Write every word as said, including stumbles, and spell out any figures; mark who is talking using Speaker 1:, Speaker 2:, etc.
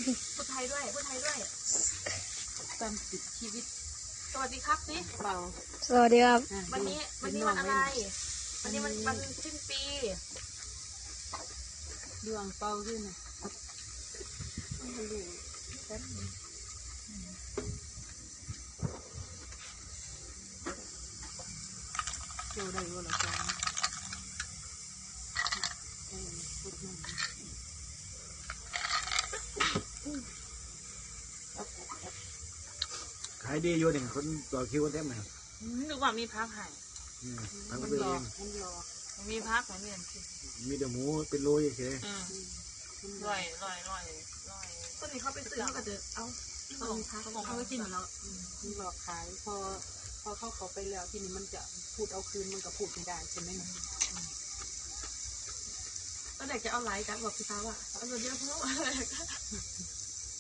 Speaker 1: พูดไทยด้วยพูดไทยด้วย
Speaker 2: ตามติดชีวิต
Speaker 1: สวัสดีครับสิ
Speaker 2: เปล่า
Speaker 3: สวัสดีครับ
Speaker 1: วันนี้วันนี้วันอะไรวันนี้มันวันสิ้นปี
Speaker 2: ดวงเป่าขึ้นนะดูแป๊บเจ้าได้ว่าเราจะ
Speaker 4: ขายดีอยู่หนึ่งคนต่อคิวกันเต็มเลย
Speaker 1: นึกว่ามีพักให้
Speaker 4: พักไปเอง
Speaker 1: มีพักเหมือนกัน
Speaker 4: มีแต่หมูเป็นโลเฉย
Speaker 1: ลอยลอยลอยลอยคนนี้เขาไปซื้อเขาก็จะเอาเขาพักเขาก็กินเหมือนเรา
Speaker 2: หลอกขายพอพอเข้าเขาไปแล้วทีนี้มันจะพูดเอาคืนมันก็พูดไม่ได้ใช่ไหม
Speaker 1: ก็เด็กจะเอาไลค์กันบอกพี่ฟ้าว่าเอาเยอะเพราะอะไร